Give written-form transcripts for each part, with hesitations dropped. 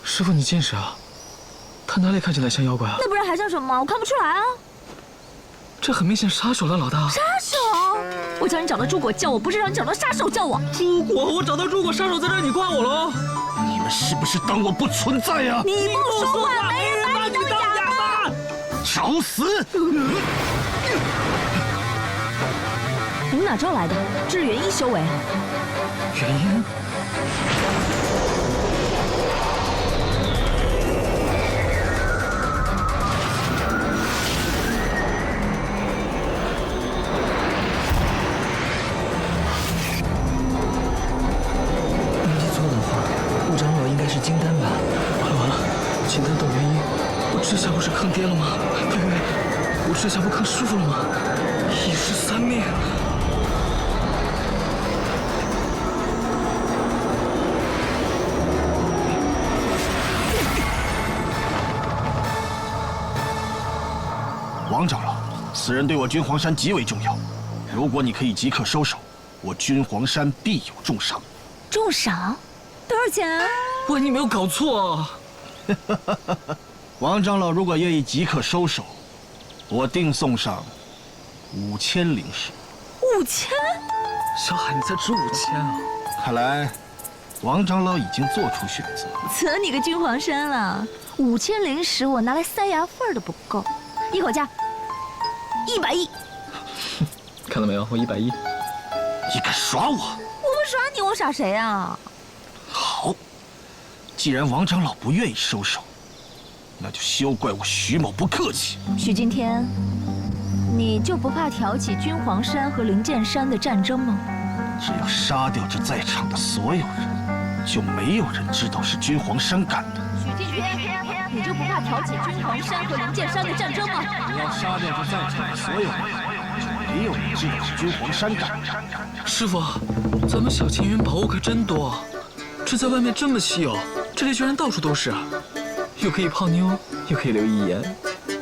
师傅，你见识啊！他哪里看起来像妖怪啊？ 那不然还像什么？我看不出来啊。 这很明显杀手了，老大。 杀手！我叫你找到朱果叫我，不是让你找到杀手叫我。 朱果，我找到朱果，杀手在这儿，你挂我喽！ 你们是不是当我不存在呀？ 你不说话，没人把你当哑巴。 找死！ 你们哪招来的？这是元一修为。 元婴。没记错的话，顾长老应该是金丹吧？完了完了，金丹斗元婴，我这下不是坑爹了吗？呸呸呸！我这下不坑师傅了吗？一尸三命。 王长老，此人对我君皇山极为重要。如果你可以即刻收手，我君皇山必有重赏。 重赏？多少钱啊？ 喂，你没有搞错啊！ 王长老如果愿意即刻收手，我定送上5000灵石。 5000？ 小海，你才值5000啊！ 看来，王长老已经做出选择。 择你个君皇山了，5000灵石我拿来塞牙缝都不够，一口价100亿。 看到没有，我110。 你敢耍我？ 我不耍你，我耍谁啊？ 好，既然王长老不愿意收手，那就休怪我徐某不客气。 许敬天，你就不怕挑起君皇山和灵剑山的战争吗？ 只要杀掉这在场的所有人，就没有人知道是君皇山干的。 许敬天，你就不怕挑起君皇山和灵剑山的战争吗？ 只要杀掉这在场的所有人，就没有人知道是君皇山干的。 师傅，咱们小青云宝物可真多，这在外面这么稀有，这里居然到处都是，又可以泡妞，又可以留遗言。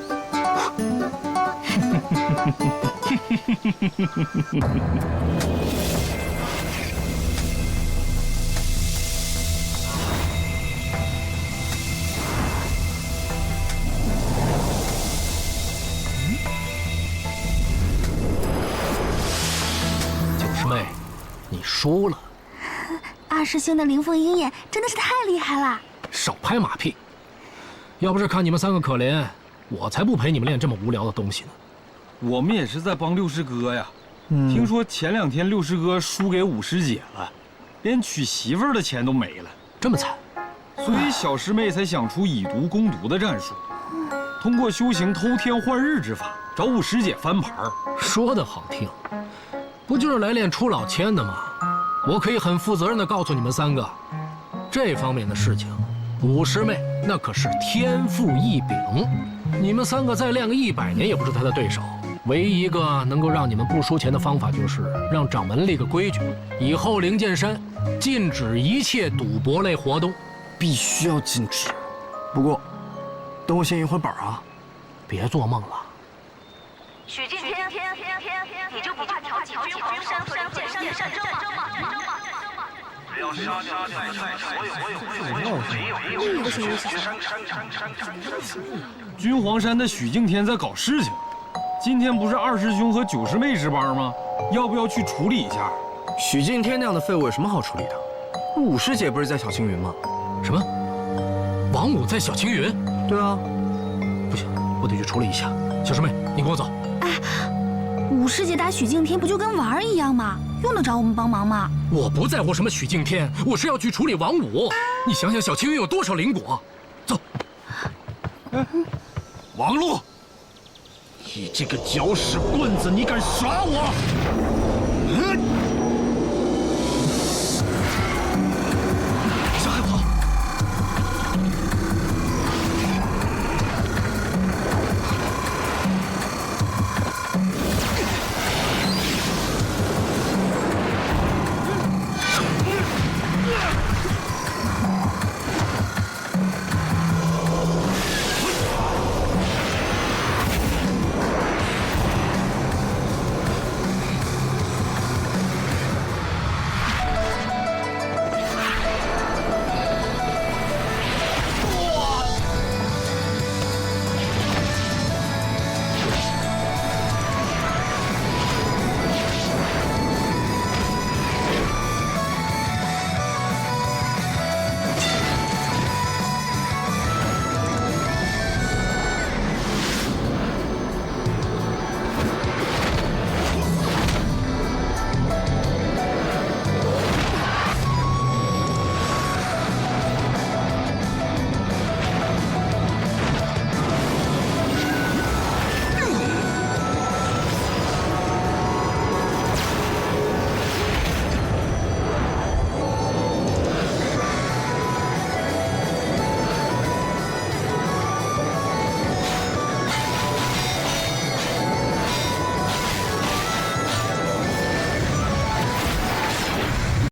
九师妹，你输了。 二师兄的灵凤鹰眼真的是太厉害了。 少拍马屁！要不是看你们3个可怜，我才不陪你们练这么无聊的东西呢。 我们也是在帮六师哥呀。听说前2天六师哥输给五师姐了，连娶媳妇儿的钱都没了， 这么惨， 所以小师妹才想出以毒攻毒的战术，通过修行偷天换日之法找五师姐翻盘。 说的好听，不就是来练出老千的吗？我可以很负责任地告诉你们3个，这方面的事情，五师妹那可是天赋异禀，你们3个再练个100年也不是她的对手。唯一一个能够让你们不输钱的方法，就是让掌门立个规矩，以后灵剑山禁止一切赌博类活动， 必须要禁止。不过，等我先一会儿本啊， 别做梦了。 许敬天，你就不怕挑起君皇山和灵剑山的战争吗？ 只要杀掉在场所有。 君皇山的许敬天在搞事情。今天不是2师兄和9师妹值班吗？要不要去处理一下？ 许敬天那样的废物有什么好处理的？五师姐不是在小青云吗？ 什么？王五在小青云？ 对啊。 不行，我得去处理一下。小师妹，你跟我走。 哎，五师姐打许敬天不就跟玩儿一样吗？用得着我们帮忙吗？ 我不在乎什么许敬天，我是要去处理王五。你想想小青云有多少灵果？走。 王禄，你这个搅屎棍子，你敢耍我？